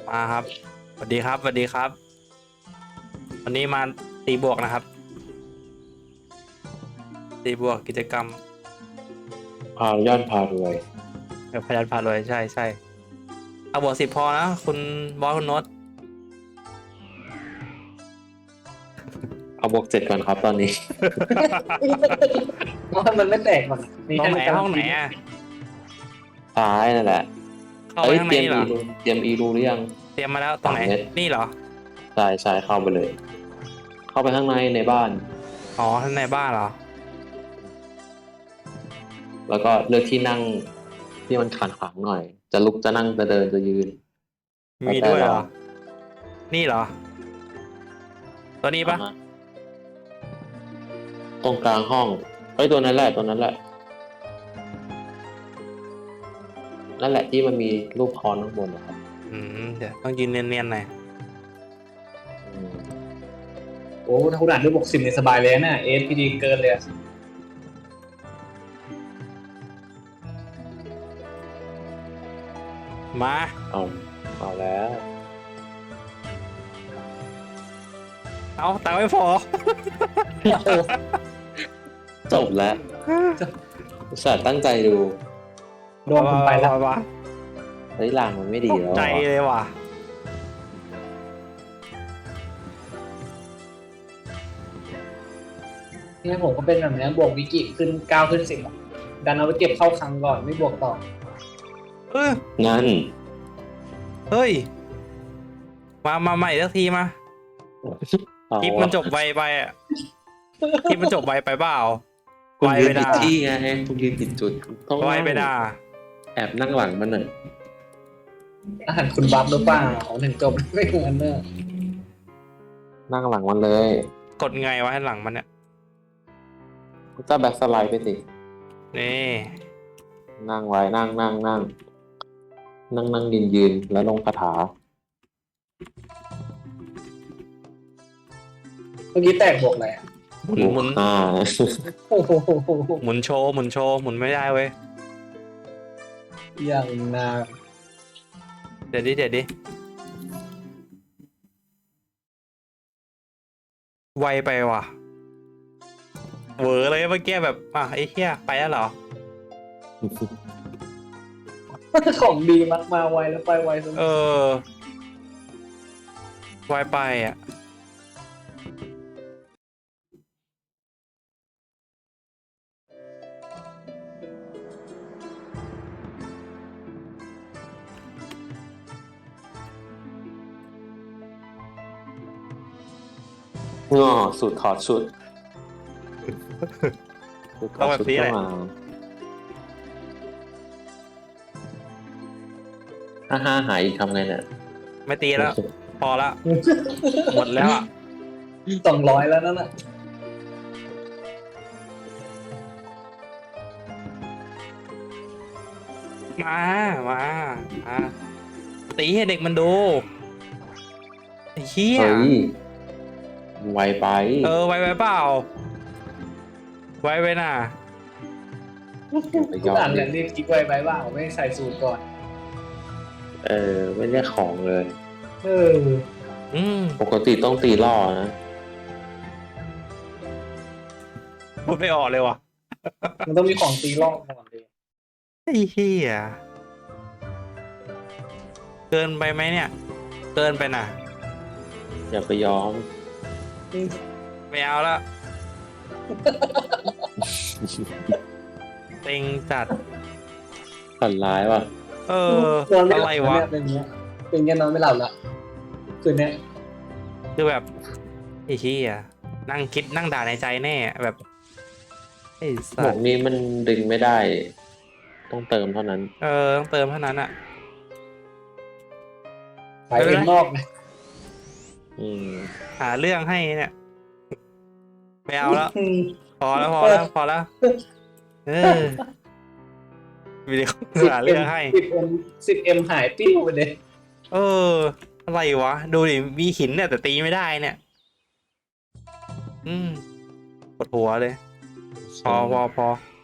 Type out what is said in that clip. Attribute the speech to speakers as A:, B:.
A: มาครับสวัสดีครับสวัสดีครับวันนี้มาตีบวกนะครับตีบวกกิจกรรม
B: พาย่อนพารวย
A: พยัญชนะพารวยใช่ใช่เอาบวก10พอนะคุณบอสคุณโน้ต
B: เอาบวก 7ก่อนครับตอนนี้
C: เพราะมันไม่แตกหรอกมี
A: ห้องไหน
C: แค่
A: ห้องไหนอ่ะ
B: ซ้ายนั่นแหละ
A: เข้าไปข้างใน
B: เตรียม
A: เหรอ
B: เตรียมอีรูหรือยัง
A: เตรียมมาแล้วตรงไหน
B: 3 เม็ด
A: นี่เหรอ
B: ใช่เข้าไปเลย เข้าไปข้างในในบ้าน
A: อ๋อข้างในบ้านเหรอ
B: แล้วก็เลือกที่นั่งที่มันขังหน่อย จะลุกจะนั่งจะเดินจะยืน
A: มีด้วยเหรอนี่เหรอตัวนี้ปะ
B: อ่าฮตรงกลางห้องตัวนั้นแหละนั่นแหละที่มันมีรูปคอนข้างบนนะครับ
A: เดี๋ยวต้องยืนเนียนๆหน่อย
B: อืม
C: โอ้ถ้าคุณอ่านด้วยบวก10ในสบายเลยนะเอสพีดีเกินเลยอะ
A: มา
B: เอาแล้ว
A: เอาตังค์ไม่พอ
B: จบแล้วอุตส่าห์ตั้งใจดู
C: โดนคุณไปแล้ว
A: ว้า
B: เฮ้ยลางมันไม่ดี
A: ตก
B: แล้ว
A: ใจ
B: อะ
A: เลยว่ะ
C: เนี่ยผมก็เป็นแบบนี้บวกวิกิขึ้น9ขึ้น10อะดันเอาไปเก็บเข้าคลังก่อนไม่บวกต่อ
A: เออ
B: งั้น
A: เฮ้ยมาใหม่สักทีมาคลิปมันจบไวไปอ่ะคลิปมันจบไวไปเปล่า
B: คุณ
A: ไว
B: ยื
A: ไป
B: นผิด
A: ด่า
B: ที่ไงคุณยืนผิดจุดต้อง
A: ไว
B: นั่ง
A: ไปด่า
B: แอบนั่งหลังมันหน่อย
C: อาหารคุณบัฟหรือเปล่าถึงจบไม่เหมือนเนอะ
B: นั่งหลังมันเลย
A: กดไงวะให้หลังมันเนี่ย
B: จะแบ็คสไลด์ไปสิ
A: นี่
B: นั่งไว้นั่งยืนแล้วลงคาถา
C: เมื่อกี้แตกบวกอะไรอะ
A: หมุน
C: โอ้โห
A: หมุนโชว์หมุนไม่ได้เว้ย
C: อย่างนาน
A: เดี๋ยวดิไวไปว่ะเหวอเลยเมื่อกี้แบบไอ้เหี้ยไปแล้วเหรอ
C: ของดีมักมาไวแล้วไปไวสุด
A: เออไวไปอ่ะ
B: ง้อสุดถอดชุด
A: ต้องแบบนี้แหละ
B: ถ้าหายอีกทำไงเนี่ย
A: ไม่ตีแล้ว พอละหมดแล้วอ่ะ
C: 200แล้วนั่นน่ะ
A: มาตีให้เด็กมันดูไอ้เหี้ย
B: เฮ้ยไวไป
A: ไวไปเปล่าไวไปน่ะ
B: ไป
C: คุ
B: ย
C: ณ
B: อ
C: อ่าน
B: ม
C: แหละรีบคิดไวไปบ้างไม่ใส่สูตรก่อน
B: ไม่ได้ของเลย
C: เออ
B: ปกติต้องตีล่อนะ
A: พูดไม่ออกเลยว่ะ
C: มันต้องมีของตีรอบก่อนเลย
A: ไอ้เหี้ยเกินไปไหมเนี่ย เกินไปน่ะ
B: อย่าไปยอม
A: ไม่เอาละเต็งจัด
B: ฝันร้ายว่ะ
C: นอนไม่ห
A: อะ
C: ลั
A: ไร
C: บ
A: วะ
C: เนี่ยเป็นเงี้ยเป็นเงี้ยนอนไม่หลับละคืนเนี้ย
A: คือแบบไอ้เหี้ยนั่งคิดนั่งด่าในใจแน่แบบไอ้
B: หม
A: สั
B: ว
A: ส
B: กนี้มันดึงไม่ได้ ต้องเติมเท่านั้น
A: ต้องเติมเท่านั้นอ่ะ
C: ไปเองนอกนะ
B: อืม
A: หาเรื่องให้เนี่ยไม่เอาแล้ว
C: อืม
A: พอแล้ววิดีโอหาเรื่องให้
C: 10M หายปิ้วไปเลย
A: อะไรวะ ดูดิมีหินเนี่ยแต่ตีไม่ได้เนี่ย ปวดหัวเลย พอ